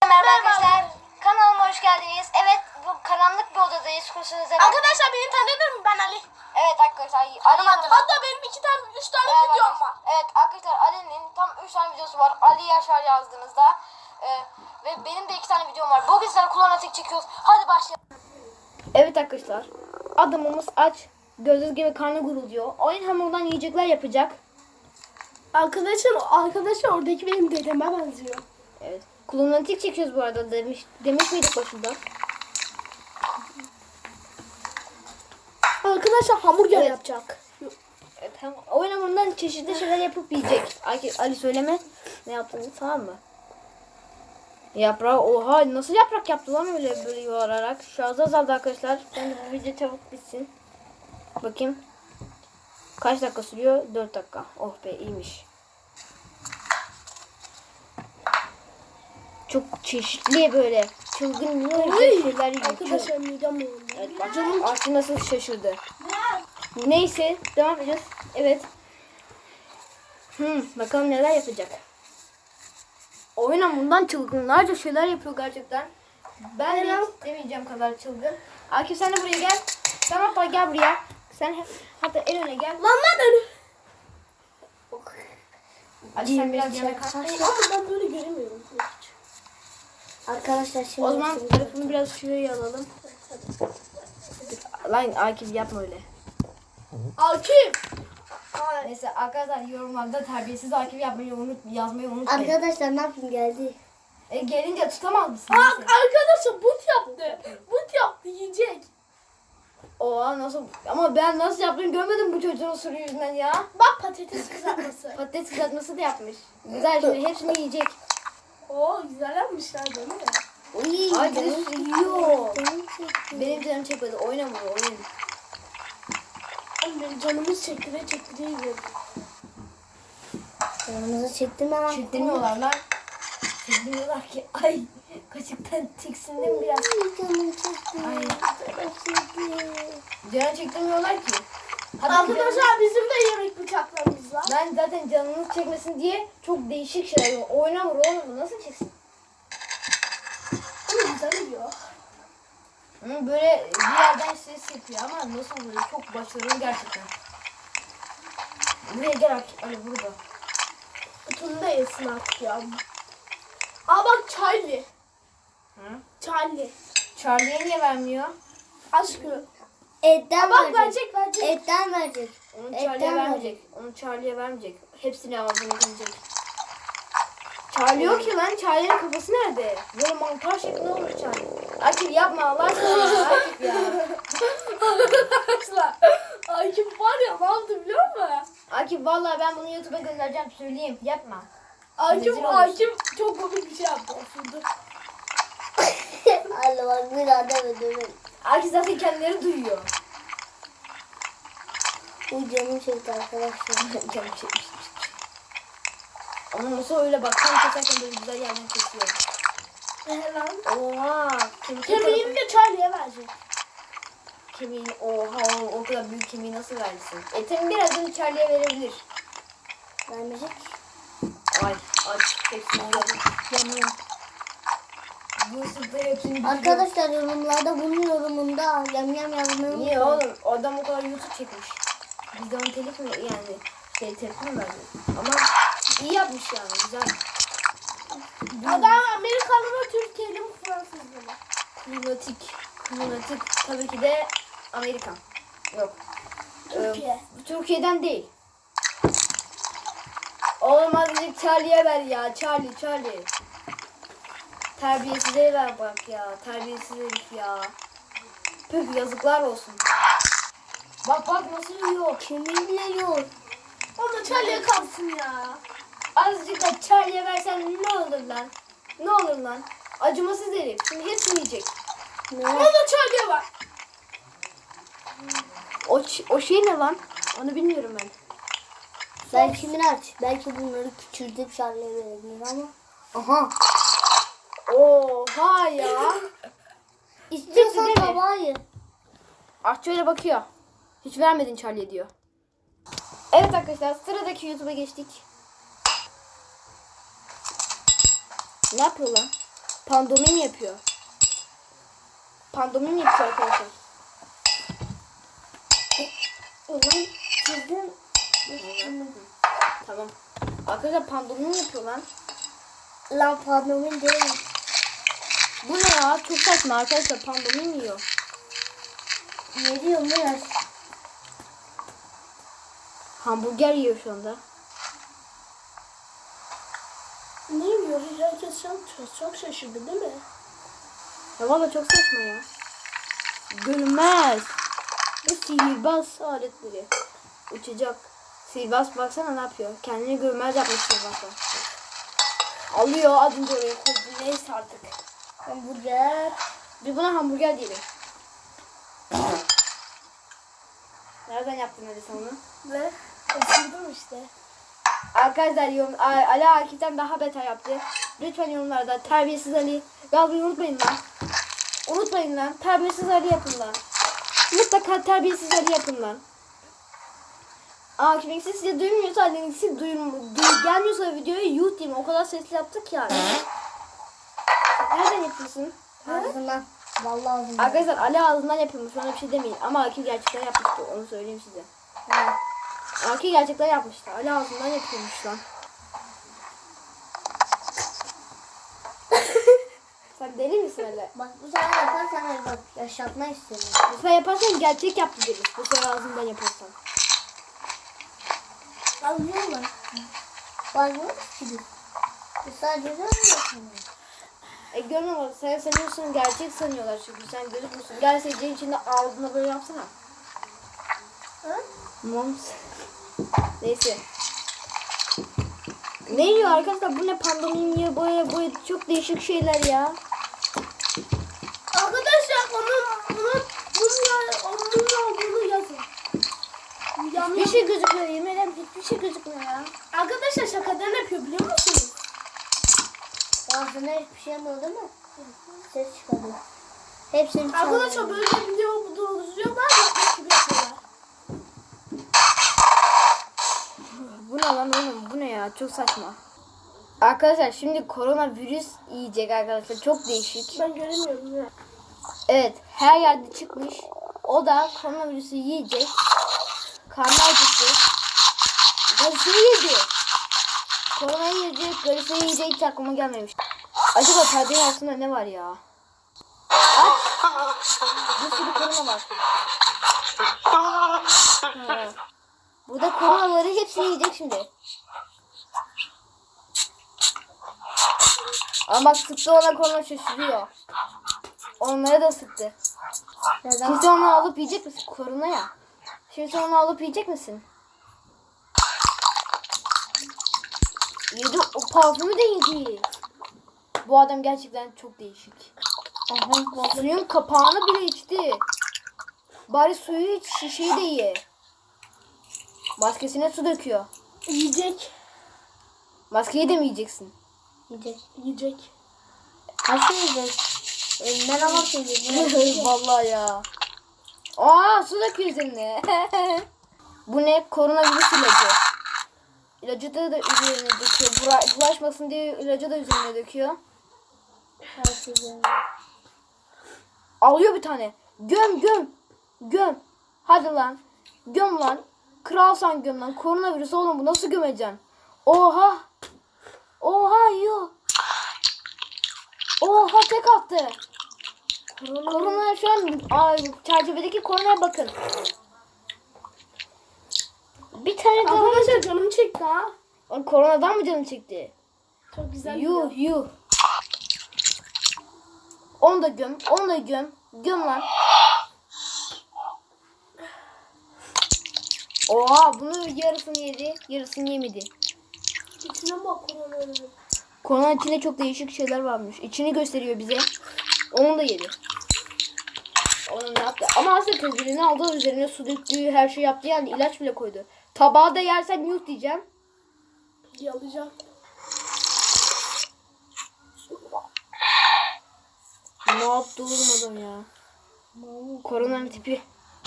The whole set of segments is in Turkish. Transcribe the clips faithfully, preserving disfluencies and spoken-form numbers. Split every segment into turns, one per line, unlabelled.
Merhaba arkadaşlar, kanalıma hoş geldiniz. Evet, bu karanlık bir odadayız. Kusursuza bak.
Arkadaşlar beni tanıdın mı? Ben Ali.
Evet arkadaşlar, Ali yanımda.
Hatta benim iki tane, üç tane
Evet,
videom var.
evet arkadaşlar, Ali'nin tam üç tane videosu var. Ali Yaşar yazdığınızda. Ee, ve benim de iki tane videom var. Bugün sizlerle kullanmatik çekiyoruz. Hadi başlayalım. Evet arkadaşlar, adamımız aç. Gördüğünüz gibi karnı gurulduyor. Oyun hamurundan yiyecekler yapacak.
Arkadaşlar, arkadaşlar oradaki benim dedeme benziyor.
Evet. Kullanmatik çekiyoruz bu arada demiş, demiş miydik başında?
Arkadaşlar hamburger
Evet.
yapacak.
Evet, hem oyun hamurundan çeşitli şeyler yapıp yiyecek. Ali, Ali söyleme ne yaptığını, tamam mı? Yaprağı, oha nasıl yaprak yaptı lan öyle böyle yuvarlarak. Şu az azaldı arkadaşlar. Bence bu video çabuk bitsin. Bakayım. Kaç dakika sürüyor? dört dakika. Oh be, iyiymiş. Çok çeşitli böyle çılgın şeyler yiyor.
Arkadaşlar midem oldu.
Evet, bak canım Arçı nasıl şaşırdı. Neyse devam edeceğiz. Evet. Hmm, bakalım neler yapacak. Oyun hamurundan çılgınlarca şeyler yapıyor gerçekten. Ben de hiç demeyeceğim kadar çılgın. Akif sen de buraya gel. Sen hatta gel buraya. Sen he- hatta en öne gel.
Lan lan önü.
Ali sen biraz yana kaç.
Ama ben böyle göremiyorum.
Arkadaşlar şimdi
O zaman telefonu biraz şuraya alalım. Lan Akif yapma öyle.
Akif.
Neyse arkadaşlar yorumlarda terbiyesiz Akif yapmayı unut, yazmayı unutmayın.
arkadaşlar ne yapayım geldi.
E, gelince tutamaz mısın?
Bak
Neyse.
arkadaşlar but yaptı. But yaptı yiyecek.
Oha nasıl, ama ben nasıl yaptığını görmedim bu çocuğun sürü yüzünden ya.
Bak patates kızartması.
Patates kızartması da yapmış. Güzel, şimdi hepsini yiyecek.
Oo güzel yapmışlar değil mi?
Uy,
Ay bir de yiyor.
canım çekti.
Benim canım çekmedi, oynamıyor oyun.
Benim canımız çektire çektire yiyor.
Canımızı çekti mi lan?
Çektirmiyorlar lan. Çektirmiyorlar ki. Ay kaşıktan tiksindim biraz.
Ay, canım çekti.
Ay.
Canım çekti.
Canı çektirmiyorlar ki. Hatta canım-
Arkadaşlar bizim de yemek bıçaklarımız var.
ben zaten canınız çekmesin diye çok değişik şeyler yapıyorum. Oynamıyor oğlum, bu nasıl çeksin?
Ama güzel yiyor.
Hı, böyle bir yerden ses yapıyor ama nasıl böyle çok başarılı gerçekten. Buraya gel artık, Ali burada.
Bütünü de yesin artık ya. Aa bak Charlie.
Hı?
Charlie.
Charlie'ye niye vermiyor?
Aşkım.
Etten
Bak
verecek.
verecek verecek.
Etten verecek.
Onu
Etten
Charlie'ye vermeyecek. Onu Charlie'ye vermeyecek. Hepsini ağzına girecek. Charlie yok ki lan. Charlie'nin kafası nerede? Böyle mantar şeklinde olmuş Charlie. Akif yapma Allah aşkına. Akif ya.
Arkadaşlar. Akif var ya ne yaptı biliyor musun?
Akif vallahi ben bunu YouTube'a göndereceğim, söyleyeyim. Yapma.
Akif,
Rezil olursun.
Akif çok komik bir şey yaptı. Osurdu.
Allah bak bir daha deme deme.
Akif zaten kendileri duyuyor.
Uy canım çekti arkadaşlar.
Canım çekmiş. Ama nasıl öyle bak, tam keserken böyle güzel yerden kesiyor.
Ee lan.
Oha. Kemik
Kemiğini de Charlie'ye verecek.
Kemiğini, oha o, o kadar büyük kemiği nasıl versin? Etin birazını Charlie'ye verebilir.
Vermeyecek.
Ay aç hepsini yiyorum.
Yanıyor.
Bu ısırtı hepsini bitiriyor.
Arkadaşlar yorumlarda bunun yorumunda yam yam yazmayı
Niye
unutmayın.
oğlum? O adam o kadar YouTube çekmiş. Biz de onu telif mi yani şey tepki mi verdik? Ama iyi yapmış yani, güzel.
Adam Amerikalı mı Türkiye'li mi Fransızlı mı?
Lunatik. Lunatik tabii ki de Amerikan. Yok.
Türkiye.
Ee, Türkiye'den değil. Oğlum azıcık Charlie'ye ver ya. Charlie, Charlie. Terbiyesize ver bak ya. Terbiyesiz herif ya. Püh, yazıklar olsun. Bak bak nasıl yiyor.
Kemiğiyle yok.
O da Charlie'ye kalsın ya.
Azıcık da Charlie'ye versen ne olur lan? Ne olur lan? Acımasız herif. Şimdi hepsini yiyecek.
Ne?
O da Charlie'ye var.
O, ç- o şey ne lan? Onu bilmiyorum ben.
Belki Miraç. Belki bunları küçültüp Charlie'ye verebilir ama. Aha.
Oha ya.
İstiyorsan
Bitti değil mi?
tabağı ye.
Aşçı öyle bakıyor. Hiç vermedin Charlie diyor. Evet arkadaşlar, sıradaki YouTube'a geçtik. Ne yapıyor lan? Pandomim yapıyor. Pandomim yapıyor arkadaşlar.
Ulan çizdim.
Tamam. Arkadaşlar pandomim yapıyor lan.
Lan pandomin değil.
Bu ne ya? Çok saçma arkadaşlar, pandomim yiyor.
Ne diyorum biraz?
Hamburger yiyor şu anda.
Ne yiyor? Herkes çok, çok, çok şaşırdı değil mi?
Ya valla çok saçma ya. Görünmez. Bu sihirbaz aletleri. Uçacak. Sihirbaz baksana ne yapıyor. Kendini görünmez yapmış sihirbazlar. Alıyor az önce oraya koydu. Neyse artık.
Hamburger.
Bir buna hamburger diyelim. Nereden yaptın hadi sen onu?
Ve ısırdım işte.
Arkadaşlar yorum, A- Ali Akif'ten daha beter yaptı. Lütfen yorumlarda terbiyesiz Ali yazmayı unutmayın lan. Unutmayın lan. Terbiyesiz Ali yapın lan. Mutlaka terbiyesiz Ali yapın lan. Akif'in sesi size duymuyorsa Ali'nin sesi duyum, duy, gelmiyorsa videoya yuh diyeyim. O kadar sesli yaptık yani. Nereden yapıyorsun?
Ağzından. Vallahi ağzından.
Arkadaşlar Ali ağzından yapılmış. Ona bir şey demeyin. Ama Akif gerçekten yapmıştı. Onu söyleyeyim size.
Evet.
Akif gerçekten yapmıştı. Ali ağzından yapılmış lan. Sen deli misin öyle?
Bak bu sefer yaparsan öyle bak yaşatma istedim.
Bu sefer yaparsan gerçek yaptı deriz. Bu sefer ağzından yaparsan.
Anlıyorlar.
Bakmıyor ki. Bu sadece ne yapıyorsun?
E görmem ama sen sanıyorsun, gerçek sanıyorlar çünkü sen gözükmüyorsun. Gel seyircinin içinde ağzına böyle yapsana.
Hı?
Moms. Neyse. Ne yiyor arkadaşlar? Bu ne, pandomim yiyor, boya boya, çok değişik şeyler ya.
Arkadaşlar onun onun bunun onun olduğunu yazın. Yanlış.
Hiçbir şey gözükmüyor, yemin ederim hiçbir şey gözükmüyor ya.
Arkadaşlar şakadan yapıyor biliyor musunuz?
Ağzına hiçbir şey olmadı mı? Ses çıkarıyor. Hepsini
Arkadaşlar
çıkarıyor.
böyle video dolduruyorlar yapmış gibi yapıyorlar.
Bu ne lan oğlum, bu ne ya, çok saçma. Arkadaşlar şimdi koronavirüs yiyecek arkadaşlar, çok değişik.
Ben göremiyorum ya.
Evet, her yerde çıkmış. O da koronavirüsü yiyecek. Karnı acıktı. Garısını yedi. Koronayı yiyecek, garısını yiyecek, hiç aklıma gelmemiş. Acaba perdenin altında ne var ya? Aç. Bir sürü korona var. Ha. Burada koronaları hepsini yiyecek şimdi. Ama bak, sıktı ona, korona şaşırıyor. Onlara da sıktı.
Neden?
Şimdi onu alıp yiyecek misin? Korona ya. Şimdi onu alıp yiyecek misin? Yedi, o parfümü de yedi. Bu adam gerçekten çok değişik. Aha, suyun kapağını bile içti. Bari suyu iç, şişeyi de ye. Maskesine su döküyor.
Yiyecek.
Maskeyi de mi yiyeceksin?
Yiyecek.
Yiyecek.
Nasıl yiyecek? Elinden alıp yiyecek.
Vallahi ya. Aa, su döküyor üzerine. Bu ne? Koronavirüs ilacı. İlacı da, da üzerine döküyor. Bura- bulaşmasın diye ilacı da üzerine döküyor.
Her şey yiyor.
Alıyor bir tane. Göm göm. Göm. Hadi lan. Göm lan. Kralsan göm lan. Koronavirüs oğlum, bu nasıl gömeceksin? Oha. Oha yiyor. Oha, tek attı. Korona, korona şu an ay, çerçevedeki koronaya bakın. Bir tane daha.
Arkadaşlar canım çekti ha.
Lan, koronadan mı canın çekti?
Çok güzel.
Yuh yuh. Onu da göm. Onu da göm. Göm lan. Oha, bunu yarısını yedi. Yarısını yemedi.
İçine bak koronavirüs.
Koronanın içinde çok değişik şeyler varmış. İçini gösteriyor bize. Onu da yedi. Onu ne yaptı? Ama aslında tedbirini aldı. Üzerine su döktüğü, her şey yaptı, yani ilaç bile koydu. Tabağı da yersen yuh diyeceğim.
Yalayacağım.
Ne yaptı oğlum adam ya? Koronanın tipi.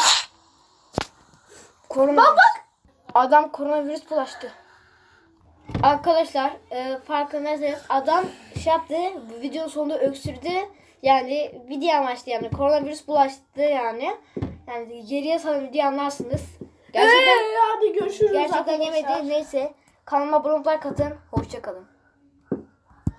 Korona. Bak bak. Adam koronavirüs bulaştı. Arkadaşlar e, farkındaysanız adam şey şey yaptı. Bu videonun sonunda öksürdü. Yani video amaçlı yani koronavirüs bulaştı yani. Yani geriye salan video anlarsınız. Gerçekten
Ee, hadi görüşürüz
gerçekten
arkadaşlar.
yemedi. Neyse kanalıma abone olmayı katın. Hoşça kalın.